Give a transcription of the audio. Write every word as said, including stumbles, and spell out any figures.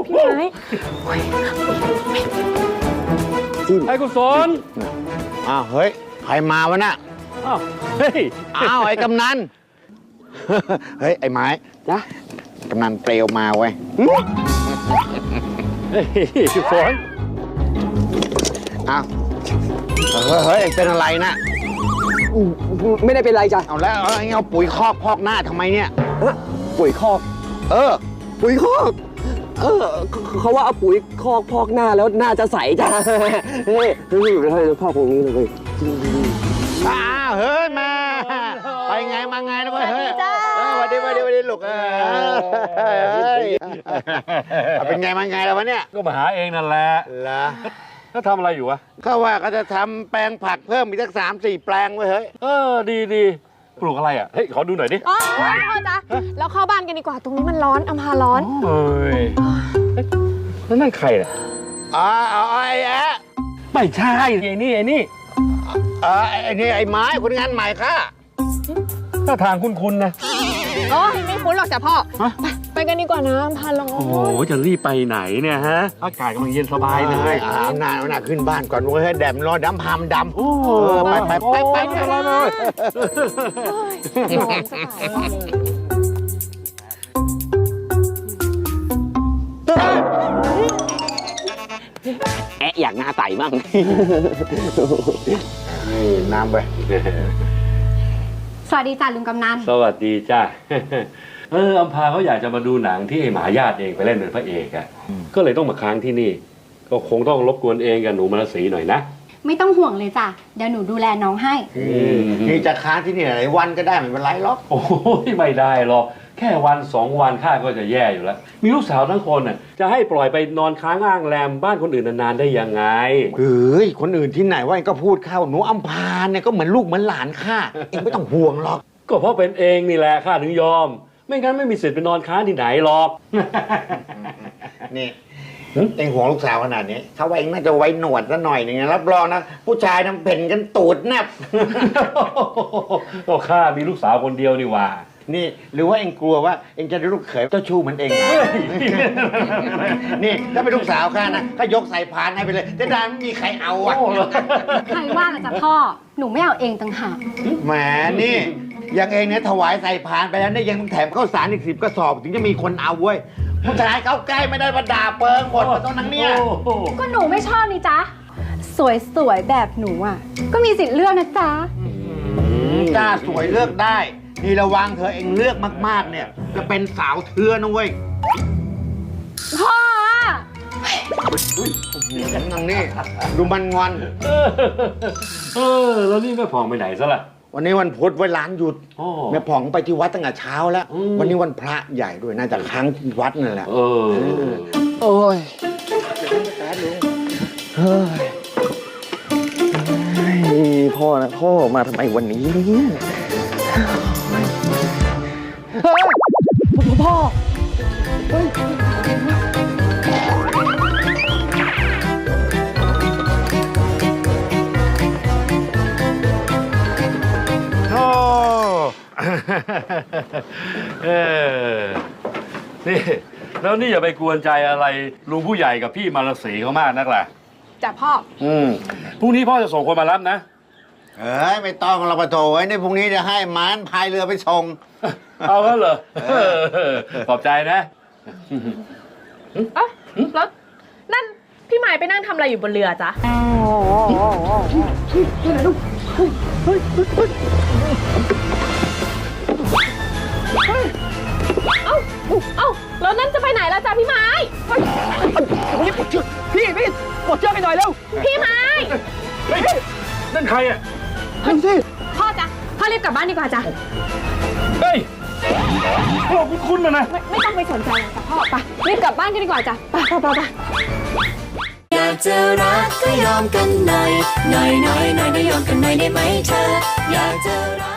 พี่ไม้ไอ้กุศลอ้าวเฮ้ยใครมาวะน่ะอ้าวเฮ้ยอ้าวไอ้กำนันเฮ้ยไอ้ไม้จ้ะกำนันเปลวมาเว้ยเฮ้ยกุศลอ้าวเฮ้ยเฮ้ยเป็นอะไรนะไม่ได้เป็นไรจ้ะเอาแล้วเอาปุ๋ยคอกพอกหน้าทำไมเนี่ยปุ๋ยคอกเออปุ๋ยคอกเออเขาว่าเอาปุ๋ยคอกพอกหน้าแล้วหน้าจะใสจ้ะเฮ้ยเฮ้ยให้พอกตรงนี้เลยอ้าวเฮ้ยมาไปไงมาไงนะเว้ยเฮ้ยสวัสดีสวัสดีสวัสดีลูกเออเป็นไงมาไงแล้ววะเนี่ยก็มาหาเองนั่นแหละเหรอเขาทำอะไรอยู่วะเขาว่าก็จะทำแปลงผักเพิ่มอีกสักสามสี่แปลงไว้เฮ้ยเออดีดีปลูกอะไรอ่ะเฮ้ยขอดูหน่อยดิอ๋อพ่อจ๊ะแล้วเข้าบ้านกันดีกว่าตรงนี้มันร้อนอำพาร้อนเฮ้ยแล้วนั่นใครอ่ะอ๋อเอาไอ้แอะไม่ใช่ไอ้นี่ไอ้นี่เออไอ้นี่ไอ้ไม้คนงานใหม่ค่ะถ้าทางคุ้นๆนะโอ้ยไม่คุ้นหรอกจ้ะพ่อไปกันดีกว่านะอำพาร้อนโอ้โหจะรีบไปไหนเนี่ยฮะอากาศกำลังเย็นสบายเลยเอาหน้าเอาหน้าขึ้นบ้านก่อนเว้ยแดดร้อนดำพามดำโอ้ไปไปไปไปไปเลยแอะอยากหน้าใสบ้างนี่น้ำไปสวัสดีจ้ะลุงกำนันสวัสดีจ้าเอออำพาเขาอยากจะมาดูหนังที่ไอ้หมาญาติเองไปเล่นเป็นพระเอกอ่ะก็เลยต้องมาค้างที่นี่ก็คงต้องรบกวนเองกับหนูมรสีหน่อยนะไม่ต้องห่วงเลยจ้ะเดี๋ยวหนูดูแลน้องให้นี่จะค้างที่นี่หลายวันก็ได้ไม่เป็นไรหรอกโอ้ยไม่ได้หรอกแค่วันสองวันข้าก็จะแย่อยู่แล้วมีลูกสาวทั้งคนน่ะจะให้ปล่อยไปนอนค้างอ้างแรมบ้านคนอื่นนานๆได้ยังไงเฮ้ยคนอื่นที่ไหนว่าก็พูดเข้าหนูอำพาเนี่ยก็เหมือนลูกเหมือนหลานข้าเองไม่ต้องห่วงหรอกก็เพราะเป็นเองนี่แหละข้าถึงยอมไม่งั้นไม่มีสิทธิ์ไปนอนค้างที่ไหนหรอกนี่เองห่วงลูกสาวขนาดนี้ถ้าว่าเองน่าจะไว้หนวดซะหน่อยหนึ่งรับรองนะผู้ชายน้ำเพ่นกันตูดแนบก็ข้ามีลูกสาวคนเดียวนี่ว่านี่หรือว่าเองกลัวว่าเองจะได้ลูกเขยเจ้าชู้เหมือนเองนี่ถ้าเป็นลูกสาวข้านะก็ยกใส่พานให้ไปเลยจะได้ไม่มีใครเอาอ่ะใครว่าล่ะจ๊ะพ่อหนูไม่เอาเองต่างหากแหมนี่อย่างเองเนี่ยถวายใส่พานไปแล้วเนี่ยยังแถมข้าวสารอีกสิบกระสอบถึงจะมีคนเอาเว้ยผู้ชายเขาใกล้ไม่ได้มาด่าเปิงหมดมาตรงนั้นเนี่ยก็หนูไม่ชอบนี่จ๊ะสวยๆแบบหนูอ่ะก็มีสิทธิ์เลือกนะจ๊ะจ้าสวยเลือกได้นี่ระวังเธอเองเลือกมากๆเนี่ยจะเป็นสาวเทือนะเว้ยพ่อฉันนังนี่ดูมันงอนเออแล้วนี่แม่ผ่องไปไหนซะล่ะวันนี้วันพุธไว้ร้านหยุดแม่ผ่องไปที่วัดตั้งแต่เช้าแล้ววันนี้วันพระใหญ่ด้วยน่าจะค้างที่วัดนั่นแหละเออโอ้ยเฮ้ยพ่อนะพ่อมาทำไมวันนี้เนี่ยเฮ้ยพ่อเฮ้ยเออนี่แล้วนี่อย่าไปกวนใจอะไรลุงผู้ใหญ่กับพี่มารสีเขามากนักล่ะจ้ะพ่ออืมพรุ่งนี้พ่อจะส่งคนมารับนะเอ้ยไม่ต้องเราไปโถไว้ในพรุ่งนี้จะให้ม้านพายเรือไปส่งเอาแล้วเหรอขอบใจนะเอ๊ะแล้วนั่นพี่หมายไปนั่งทำอะไรอยู่บนเรือจ๊ะเอ้าเอ้าแล้วนั่นจะไปไหนล่ะจ๊ะพี่ไม้พี่ปลดเชือกพี่พี่ปลดเชือกไปหน่อยเร็วพี่ไม้นั่นใครอ่ะนั่นสิพ่อจ๊ะพ่อรีบกลับบ้านดีกว่าจ้ะเฮ้ยพ่อคุ้นๆมานะไม่ไม่ต้องไปสนใจจ้ะพ่อไปรีบกลับบ้านกันดีกว่าจ้ะไปไปไปไปอยากจะรักก็ยอมกันหน่อยหน่อยหน่อยหน่อยได้ยอมกันหน่อยได้ไหมเธออยากจะรัก